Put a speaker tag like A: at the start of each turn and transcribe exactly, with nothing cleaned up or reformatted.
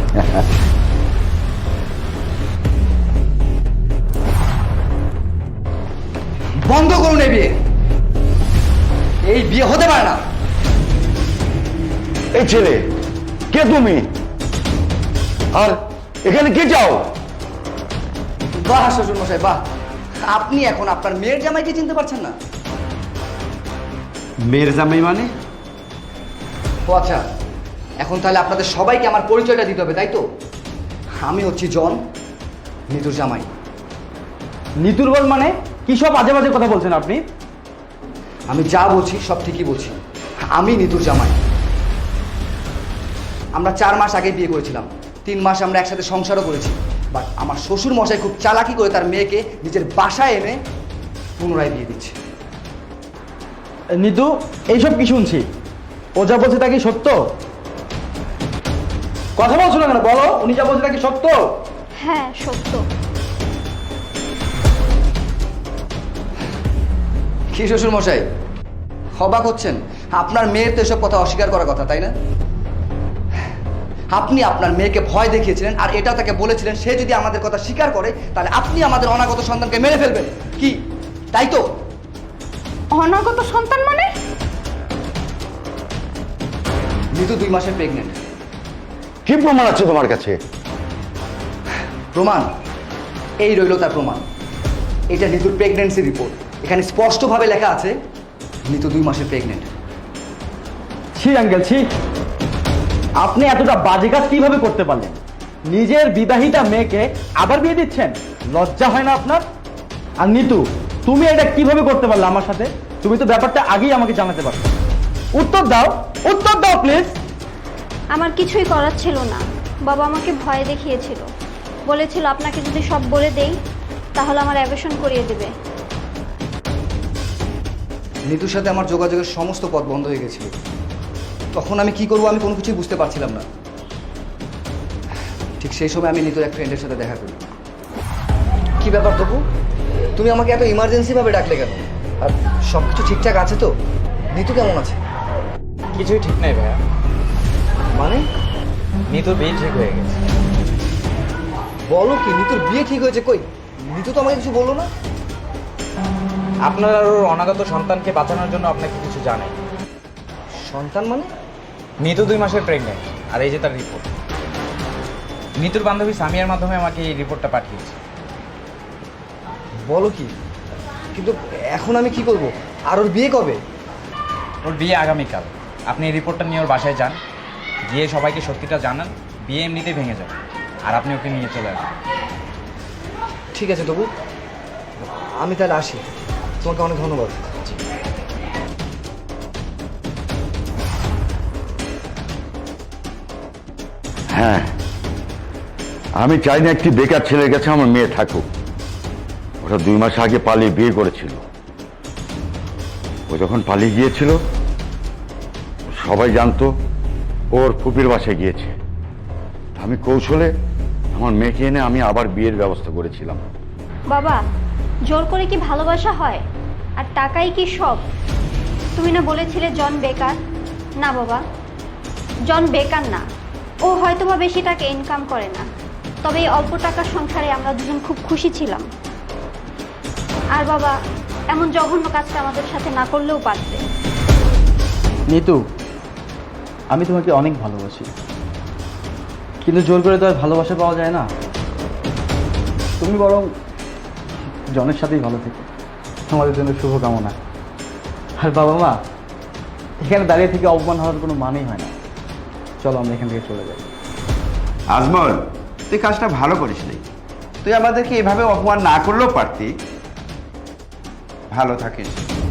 A: বন্ধ করুন এই বিয়ে। এই বিয়ে হতে পারে না।
B: এই ছেলে কে তুমি, আর এখানে কে চাও?
A: বাহ শ্বশুর মশাই বাহ, আপনি এখন আপনার মেয়ের জামাইকে চিনতে পারছেন না?
C: মেয়ের জামাই মানে?
A: ও আচ্ছা, এখন তাহলে আপনাদের সবাইকে আমার পরিচয়টা দিতে হবে, তাই তো? আমি হচ্ছি জন, নিতুর জামাই।
D: নিতুর বল মানে? কি সব আজে বাজে কথা বলছেন আপনি?
A: আমি যা বলছি সব ঠিকই বলছি। আমি নিতুর জামাই। আমরা চার মাস আগে বিয়ে করেছিলাম, তিন মাস আমরা একসাথে সংসারও করেছি। বাট আমার শ্বশুর মশাই খুব চালাকি করে তার মেয়েকে নিজের বাসায় এনে পুনরায় বিয়ে দিচ্ছে।
D: নিতু, এইসব কি শুনছি? ও যা বলছে তা কি সত্য? কথা বলছো না কেন, বলো উনি যা বলছে তা কি সত্য?
E: হ্যাঁ সত্য।
A: কি শ্বশুর মশাই অবাক হচ্ছেন? আপনার মেয়ের তো এসব কথা অস্বীকার করার কথা, তাই না? আপনি আপনার মেয়েকে ভয় দেখিয়েছিলেন আর এটাও তাকে বলেছিলেন সে যদি আমাদের কথা স্বীকার করে তাহলে আপনি আমাদের অনাগত সন্তানকে মেরে ফেলবেন, কি তাই তো?
E: অনাগত সন্তান মানে?
A: নিতু দুই মাসের প্রেগনেন্ট।
B: কি প্রমাণ আছে তোমার কাছে?
A: প্রমাণ এই রইল তার প্রমাণ। এটা নিতুর প্রেগনেন্সি রিপোর্ট। এখানে স্পষ্টভাবে লেখা আছে নিতু দুই মাসের প্রেগনেন্ট।
D: ছি আঙ্কেল ছি, আপনি এতটা বাজে কাজ কিভাবে করতে পারলেন? নিজের বিবাহিতা মেয়েকে আবার বিয়ে দিচ্ছেন, লজ্জা হয় না আপনার? আর নিতু, তুমি এটা কিভাবে করতে পারলে আমার সাথে? তুমি তো ব্যাপারটা আগেই আমাকে জানাতে পারো। উত্তর দাও, উত্তর দাও প্লিজ।
E: আমার কিছুই করার ছিল না, বাবা আমাকে ভয় দেখিয়েছিল, বলেছিল আপনাকে যদি সব বলে দেই তাহলে আমার অ্যাবর্শন করিয়ে দেবে।
A: নিতুর সাথে আমার যোগাযোগের সমস্ত পথ বন্ধ হয়ে গেছিল। তখন আমি কি করবো আমি কোনো কিছুই বুঝতে পারছিলাম না। ঠিক সেই সময় আমি নিতুর এক ফ্রেন্ডের সাথে দেখা করি। কি ব্যাপার তবু, তুমি আমাকে এত ইমার্জেন্সি ভাবে ডাকলে কেন? আর সব কিছু ঠিকঠাক আছে তো? নিতু কেমন আছে?
F: কিছুই ঠিক নাই ভাইয়া,
A: মানে
F: নিতুর বিয়ে ঠিক হয়ে গেছে।
A: বলো কি, নিতুর বিয়ে ঠিক হয়েছে? কই, নিতু তো আমাকে কিছু বললো না।
F: আপনার আর ওর অনাগত সন্তানকে বাঁচানোর জন্য আপনাকে কিছু জানাই।
A: সন্তান মানে?
F: নিতু দুই মাসের প্রেগনেন্ট, আর এই যে তার রিপোর্ট। নিতুর বান্ধবী সামিয়ার মাধ্যমে আমাকে এই রিপোর্টটা পাঠিয়েছে।
A: বলো কি, কিন্তু এখন আমি কি করব? আর ওর বিয়ে কবে?
F: ওর বিয়ে আগামীকাল। আপনি এই রিপোর্টটা নিয়ে ওর বাসায় যান, গিয়ে সবাইকে সত্যিটা জানান। বিয়ে এমনিতেই ভেঙে যাবে, আর আপনি ওকে নিয়ে চলে আসবেন।
A: ঠিক আছে তবু, আমি তাহলে আসি। তোমাকে অনেক ধন্যবাদ।
B: হ্যাঁ, আমি চাই না একটি বেকার ছেলের কাছে আমার মেয়ে থাকুক। ওটা দুই মাস আগে পালিয়ে বিয়ে করেছিল। ও যখন পালিয়ে গিয়েছিল সবাই জানতো ওর ফুপির বাসায় গিয়েছে। আমি কৌশলে আমার মেয়েকে এনে আমি আবার বিয়ের ব্যবস্থা করেছিলাম।
E: বাবা, জোর করে কি ভালোবাসা হয়? আর টাকাই কি সব? তুমি না বলেছিলে জন বেকার? না বাবা, জন বেকার না। ও হয়তোবা বেশি টাকা ইনকাম করে না, তবে এই অল্প টাকার সংসারে আমরা দুজন খুব খুশি ছিলাম। আর বাবা, এমন জঘন্য কাজটা আমাদের সাথে না করলেও পারতে।
D: নিতু, আমি তোমাকে অনেক ভালোবাসি, কিন্তু জোর করে তো আর ভালোবাসা পাওয়া যায় না। তুমি বরং জনের সাথেই ভালো থেকো, আমাদের জন্য শুভকামনা। আর বাবা মা, এখানে দাঁড়িয়ে থেকে অপমান হওয়ার কোনো মানেই হয় না। চলো আমরা এখান থেকে চলে যাই।
C: আজমল, তুই কাজটা ভালো করিস নি। তুই আমাদেরকে এভাবে অপমান না করলেও পারতি। ভালো থাকিস।